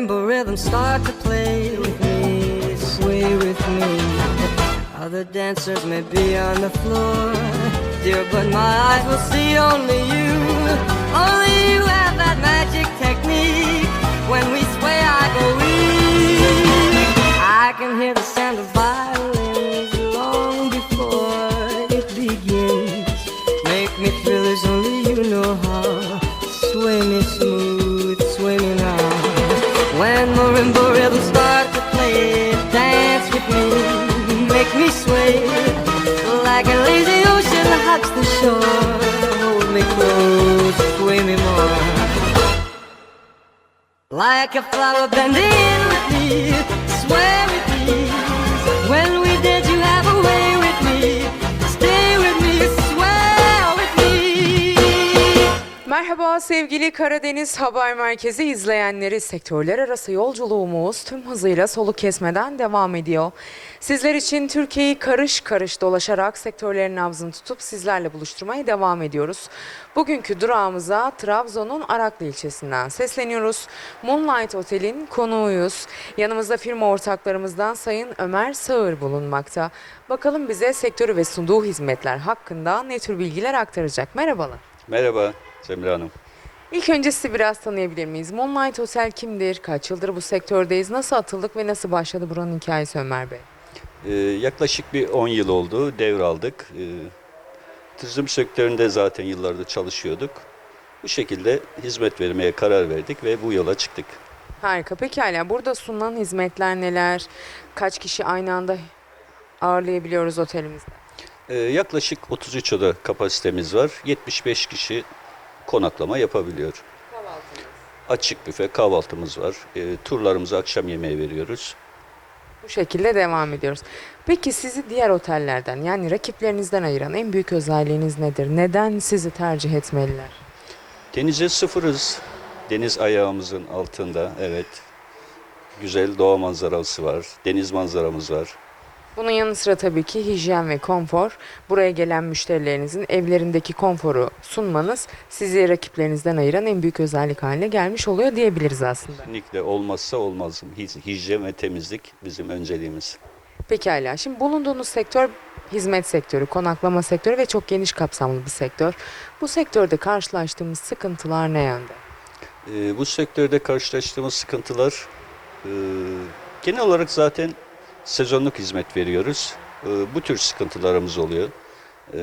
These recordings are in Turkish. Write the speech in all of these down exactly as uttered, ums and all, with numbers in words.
marimba rhythms start to play with me, sway with me. Other dancers may be on the floor, dear, but my eyes will see only you. Only you have that magic technique. When we sway, I go weak. I can hear the sound of violins long before it begins. Make me feel as only you know how. Sway me smooth, sway me now. When marimba rhythms start to play, dance with me, make me sway. Like a lazy ocean hugs the shore. Hold me close, sway me more. Like a flower bending with me, sway with me. When we did, you have a way with me. Stay with me, sway with me. Merhaba sevgili Karadeniz Haber Merkezi izleyenleri, sektörler arası yolculuğumuz tüm hızıyla soluk kesmeden devam ediyor. Sizler için Türkiye'yi karış karış dolaşarak sektörlerin nabzını tutup sizlerle buluşturmaya devam ediyoruz. Bugünkü durağımıza Trabzon'un Araklı ilçesinden sesleniyoruz. Moonlight Otel'in konuğuyuz. Yanımızda firma ortaklarımızdan Sayın Ömer Sağır bulunmakta. Bakalım bize sektörü ve sunduğu hizmetler hakkında ne tür bilgiler aktaracak. Merhabalar. Merhaba Cemre Hanım. İlk önce sizi biraz tanıyabilir miyiz? Moonlight Otel kimdir? Kaç yıldır bu sektördeyiz? Nasıl atıldık ve nasıl başladı buranın hikayesi Ömer Bey? Ee, yaklaşık bir on yıl oldu, devraldık. Ee, turizm sektöründe zaten yıllardır çalışıyorduk. Bu şekilde hizmet vermeye karar verdik ve bu yola çıktık. Harika. Pekala. Burada sunulan hizmetler neler? Kaç kişi aynı anda ağırlayabiliyoruz otelimizde? Ee, yaklaşık otuz üç oda kapasitemiz var. yetmiş beş kişi konaklama yapabiliyor. Kahvaltımız. Açık büfe kahvaltımız var. Ee, turlarımızı akşam yemeği veriyoruz. Bu şekilde devam ediyoruz. Peki sizi diğer otellerden, yani rakiplerinizden ayıran en büyük özelliğiniz nedir? Neden sizi tercih etmeliler? Denize sıfırız. Deniz ayağımızın altında, evet. Güzel doğa manzarası var. Deniz manzaramız var. Bunun yanı sıra tabii ki hijyen ve konfor. Buraya gelen müşterilerinizin evlerindeki konforu sunmanız sizi rakiplerinizden ayıran en büyük özellik haline gelmiş oluyor diyebiliriz aslında. Kesinlikle olmazsa olmaz. Hij- Hijyen ve temizlik bizim önceliğimiz. Pekala. Şimdi bulunduğunuz sektör hizmet sektörü, konaklama sektörü ve çok geniş kapsamlı bir sektör. Bu sektörde karşılaştığımız sıkıntılar ne yönde? Ee, bu sektörde karşılaştığımız sıkıntılar e, genel olarak zaten sezonluk hizmet veriyoruz. E, bu tür sıkıntılarımız oluyor. E,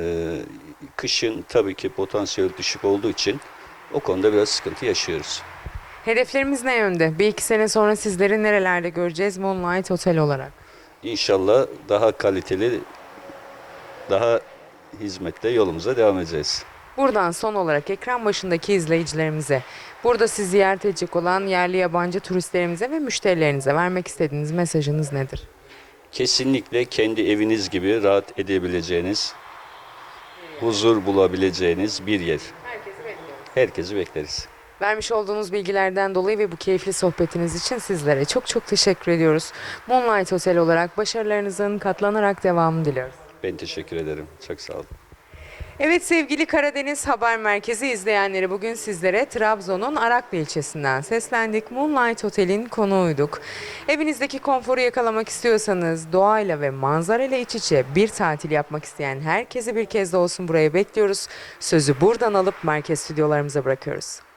kışın tabii ki potansiyel düşük olduğu için o konuda biraz sıkıntı yaşıyoruz. Hedeflerimiz ne yönde? Bir iki sene sonra sizleri nerelerde göreceğiz Moonlight Otel olarak? İnşallah daha kaliteli, daha hizmetle yolumuza devam edeceğiz. Buradan son olarak ekran başındaki izleyicilerimize, burada sizi ziyaret edecek olan yerli yabancı turistlerimize ve müşterilerinize vermek istediğiniz mesajınız nedir? Kesinlikle kendi eviniz gibi rahat edebileceğiniz, huzur bulabileceğiniz bir yer. Herkesi bekliyoruz. Herkesi bekleriz. Vermiş olduğunuz bilgilerden dolayı ve bu keyifli sohbetiniz için sizlere çok çok teşekkür ediyoruz. Moonlight Otel olarak başarılarınızın katlanarak devamını diliyoruz. Ben teşekkür ederim. Çok sağ olun. Evet sevgili Karadeniz Haber Merkezi izleyenleri, bugün sizlere Trabzon'un Araklı ilçesinden seslendik. Moonlight Otel'in konuğuyduk. Evinizdeki konforu yakalamak istiyorsanız, doğayla ve manzarayla iç içe bir tatil yapmak isteyen herkesi bir kez de olsun buraya bekliyoruz. Sözü buradan alıp merkez stüdyolarımıza bırakıyoruz.